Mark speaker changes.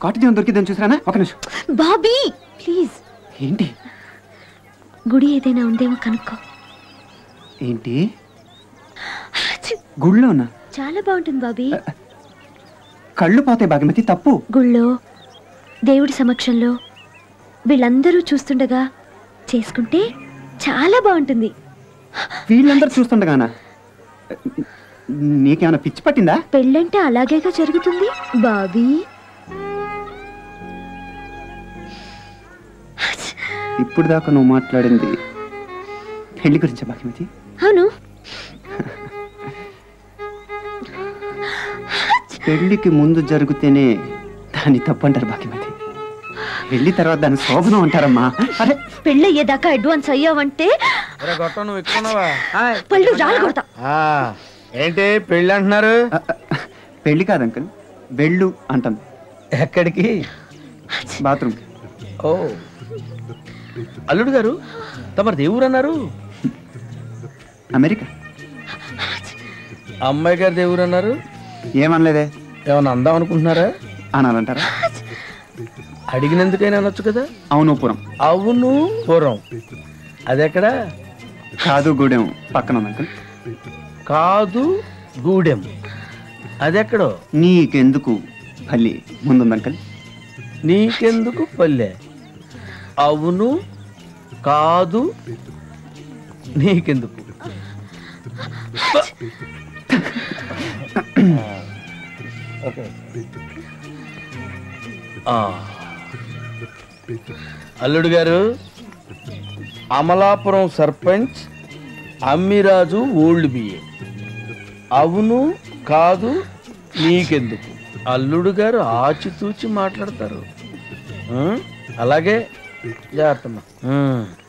Speaker 1: కాటు దేవుని దొరికిద్దని చూసారా? ఒక నిమిషం
Speaker 2: బాబీ ప్లీజ్.
Speaker 1: ఏంటి?
Speaker 2: గుడి ఏదైనా ఉందేమో కనుక్కో.
Speaker 1: ఏంటి గుళ్ళోనా?
Speaker 2: చాలా బాగుంటుంది బాబీ.
Speaker 1: కళ్ళు పోతాయి భాగ్యమతి, తప్పు.
Speaker 2: గుళ్ళో దేవుడి సమక్షంలో వీళ్ళందరూ చూస్తుండగా చేసుకుంటే చాలా బాగుంటుంది.
Speaker 1: వీళ్ళందరూ చూస్తుండగానా? నీకేమైనా పిచ్చి పట్టిందా?
Speaker 2: పెళ్ళంటే అలాగేగా జరుగుతుంది బాబీ.
Speaker 1: ఇప్పుడు దాకా నువ్వు మాట్లాడింది పెళ్లి గురించా భాగ్యమతి?
Speaker 2: అవును.
Speaker 1: పెళ్లికి ముందు జరిగితేనే దాన్ని తప్పు అంటారు భాగ్యమతి, పెళ్లి తర్వాత దాన్ని శోభనం అంటారమ్మా. అరే
Speaker 2: పెళ్ళి అయ్యేదాకా అడ్వాన్స్ అయ్యావంటే పళ్ళు రాలు కొడతా.
Speaker 3: ఏంటి పెళ్ళి అంటున్నారు?
Speaker 1: పెళ్లి కాదు అంకుల్, వెళ్ళు అంటాను.
Speaker 3: ఎక్కడికి?
Speaker 1: బాత్రూమ్.
Speaker 3: ఓ అల్లుడు గారు, తమరు దేవురు అన్నారు.
Speaker 1: అమెరికా.
Speaker 3: అమ్మాయి గారు దేవురు అన్నారు.
Speaker 1: ఏమనలేదే.
Speaker 3: ఏమన్నా అందాం అనుకుంటున్నారా?
Speaker 1: అనాలంటారా?
Speaker 3: అడిగినందుకైనా అనొచ్చు కదా.
Speaker 1: అవును పురం.
Speaker 3: అవును పురం. అదెక్కడ?
Speaker 1: కాదు గూడెం పక్కన ఉంది అంకుల్.
Speaker 3: కాదు గూడెం అదెక్కడో?
Speaker 1: నీకెందుకు పల్లి ముందుంది అంకుల్.
Speaker 3: నీకెందుకు పల్లె? అవును కాదు నీకెందుకు? అల్లుడు గారు, అమలాపురం సర్పంచ్ అమ్మిరాజు ఓల్డ్ బిఏ. అవును కాదు నీకెందుకు? అల్లుడు గారు ఆచితూచి మాట్లాడతారు. అలాగే జాగ్రత్త.